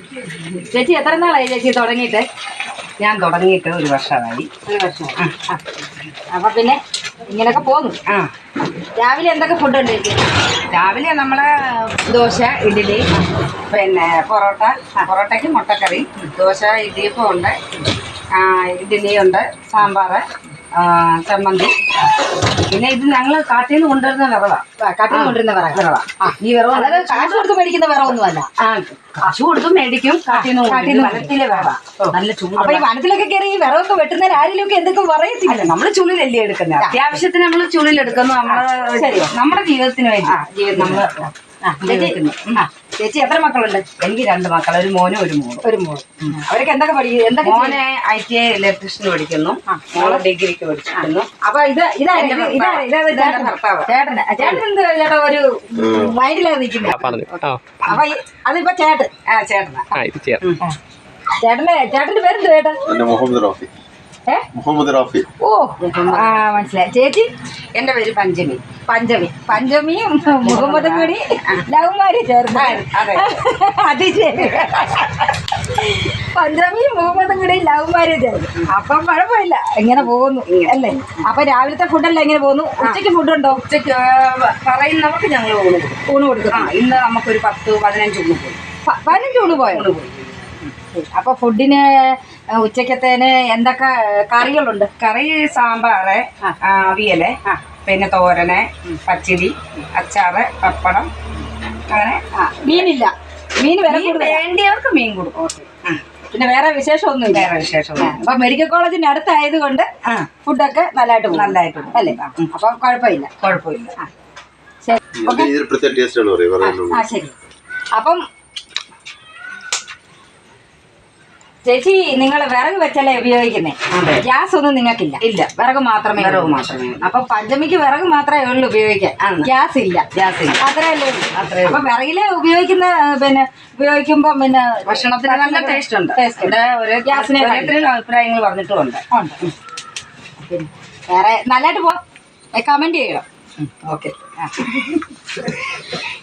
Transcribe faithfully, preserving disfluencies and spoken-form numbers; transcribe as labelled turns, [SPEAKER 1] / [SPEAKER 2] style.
[SPEAKER 1] ചേച്ചി എത്ര നാളായി ചേച്ചി തുടങ്ങിയിട്ട്?
[SPEAKER 2] ഞാൻ തുടങ്ങിയിട്ട് ഒരു വർഷമായി.
[SPEAKER 1] ഒരു വർഷം. അപ്പൊ പിന്നെ ഇങ്ങനെയൊക്കെ പോന്നു.
[SPEAKER 2] ആ
[SPEAKER 1] രാവിലെ എന്തൊക്കെ ഫുഡ് ഉണ്ട് ചേച്ചി?
[SPEAKER 2] രാവിലെ നമ്മള് ദോശ, ഇഡ്ഡലി, പിന്നെ പൊറോട്ട, പൊറോട്ടയ്ക്ക് മുട്ടക്കറി, ദോശ, ഇടിയപ്പം ഉണ്ട്, ഇഡ്ഡലി ഉണ്ട്, സാമ്പാർ, ചമ്മന്തി. പിന്നെ ഇത് ഞങ്ങൾ കാട്ടിൽ നിന്ന് കൊണ്ടുവരുന്ന വിറവാ.
[SPEAKER 1] കാട്ടിൽ നിന്ന് കൊണ്ടുവരുന്ന വിറവ
[SPEAKER 2] വിറവാ ഈ വിറവ്
[SPEAKER 1] അതായത് കാശ് കൊടുത്ത് മേടിക്കുന്ന വിറവൊന്നും അല്ല.
[SPEAKER 2] ആ കാശ് കൊടുത്തും മേടിക്കും. കാട്ടിൽ നിന്ന് വനത്തിലെ വിറവാ. നല്ല ചൂട്.
[SPEAKER 1] അപ്പൊ ഈ വനത്തിലൊക്കെ കയറി ഈ വിറവൊക്കെ വെട്ടുന്നതിന് ആരെങ്കിലും എന്തൊക്കെ പറയത്തില്ല.
[SPEAKER 2] നമ്മള് ചുള്ളിലല്ലേ എടുക്കുന്നത്. അത്യാവശ്യത്തിന് നമ്മള് ചുള്ളിലെടുക്കുന്നു. നമ്മള് നമ്മുടെ ജീവിതത്തിന് വേണ്ടി ജീവിതം നമ്മള്
[SPEAKER 1] ചേച്ചി എത്ര മക്കളുണ്ട്?
[SPEAKER 2] എനിക്ക് രണ്ട് മക്കൾ, ഒരു മോനും ഒരു മോളും.
[SPEAKER 1] ഒരു മോൾ. അവരൊക്കെ എന്തൊക്കെ പഠിക്കും? എന്തൊക്കെ?
[SPEAKER 2] മോനെ ഐ ടി ഐ ഇലക്ട്രീഷ്യന് പഠിക്കുന്നു, മോള് ഡിഗ്രിക്ക് പഠിക്കുന്നു.
[SPEAKER 1] അപ്പൊ ഇത് ഇതാണ് ഭർത്താവ്. ചേട്ടന് ചേട്ടൻ എന്ത് ചേട്ടാ ഒരു മൈൻഡിലാണ് നിൽക്കുന്നത്. അപ്പൊ അതിപ്പോ ചേട്ടൻ
[SPEAKER 2] ആ ചേട്ടനാ.
[SPEAKER 1] ചേട്ടന്റെ ചേട്ടന്റെ പേരെന്ത് ചേട്ടാ?
[SPEAKER 3] മുഹമ്മദ് റാഫി. മുഹമ്മദ് റാഫി.
[SPEAKER 1] ഓ ആ മനസ്സിലായി. ചേച്ചി?
[SPEAKER 2] എന്റെ പേര് പഞ്ചമി.
[SPEAKER 1] പഞ്ചമി. പഞ്ചമിയും മുഹമ്മദും കൂടി ലവ് മാരേജ് ചേർന്ന്. അത് ശരി. പഞ്ചമിയും മുഹമ്മദും കൂടി ലവ് മാരേജ് ആയിരുന്നു. അപ്പം കുഴപ്പമില്ല, എങ്ങനെ പോകുന്നു അല്ലേ? അപ്പൊ രാവിലത്തെ ഫുഡല്ല എങ്ങനെ പോകുന്നു? ഉച്ചയ്ക്ക് ഫുഡുണ്ടോ?
[SPEAKER 2] ഉച്ചയ്ക്ക് പറയുന്നവർക്ക് ഞങ്ങൾ ഊണ് കൊടുക്കും.
[SPEAKER 1] ഊണ് കൊടുക്കും.
[SPEAKER 2] ആ ഇന്ന് നമുക്കൊരു പത്ത് പതിനഞ്ച് ഊണ് പോയി.
[SPEAKER 1] പതിനഞ്ച് ഊണ് പോയോ?
[SPEAKER 2] ഊണ് പോയി.
[SPEAKER 1] അപ്പൊ ഫുഡിന് ഉച്ചക്കത്തേന് എന്തൊക്കെ കറികളുണ്ട്?
[SPEAKER 2] കറി സാമ്പാറ്, അവിയല്, പിന്നെ തോരന്, പച്ചടി, അച്ചാറ്, പപ്പടം, അങ്ങനെ.
[SPEAKER 1] മീനില്ല? മീൻ വില
[SPEAKER 2] വേണ്ടിയവർക്ക് മീൻ കൊടുക്കും.
[SPEAKER 1] പിന്നെ വേറെ വിശേഷമൊന്നും
[SPEAKER 2] വേറെ വിശേഷമൊന്നും.
[SPEAKER 1] അപ്പൊ മെഡിക്കൽ കോളേജിന്റെ അടുത്തായത് കൊണ്ട് ഫുഡൊക്കെ നല്ലതായിട്ട് പോകും.
[SPEAKER 2] നല്ലതായിട്ട്
[SPEAKER 1] അല്ലേ? അപ്പൊ കുഴപ്പമില്ല.
[SPEAKER 2] കുഴപ്പമില്ല.
[SPEAKER 1] ആ ശരി. അപ്പം ചേച്ചി നിങ്ങൾ വിറക് വെച്ചല്ലേ ഉപയോഗിക്കുന്നേ? ഗ്യാസ് ഒന്നും നിങ്ങൾക്കില്ല?
[SPEAKER 2] ഇല്ല,
[SPEAKER 1] വിറക് മാത്രമേ
[SPEAKER 2] വിറക് മാത്രമേ.
[SPEAKER 1] അപ്പൊ പഞ്ചമിക്ക് വിറക് മാത്രമേ ഉള്ളൂ ഉപയോഗിക്കാൻ. ഗ്യാസ് ഇല്ല.
[SPEAKER 2] ഗ്യാസ് ഇല്ല.
[SPEAKER 1] അത്രയല്ലേ?
[SPEAKER 2] അത്രേ.
[SPEAKER 1] അപ്പൊ വിറകില് ഉപയോഗിക്കുന്ന പിന്നെ ഉപയോഗിക്കുമ്പോ പിന്നെ
[SPEAKER 2] ഭക്ഷണത്തിന് നല്ല ടേസ്റ്റ് ഉണ്ട്.
[SPEAKER 1] ഒരു ഗ്യാസിനെ
[SPEAKER 2] അഭിപ്രായങ്ങൾ പറഞ്ഞിട്ടുമുണ്ട്.
[SPEAKER 1] പിന്നെ വേറെ നല്ലതായിട്ട് പോ കമന്റ് ചെയ്യണം.
[SPEAKER 2] ഓക്കെ.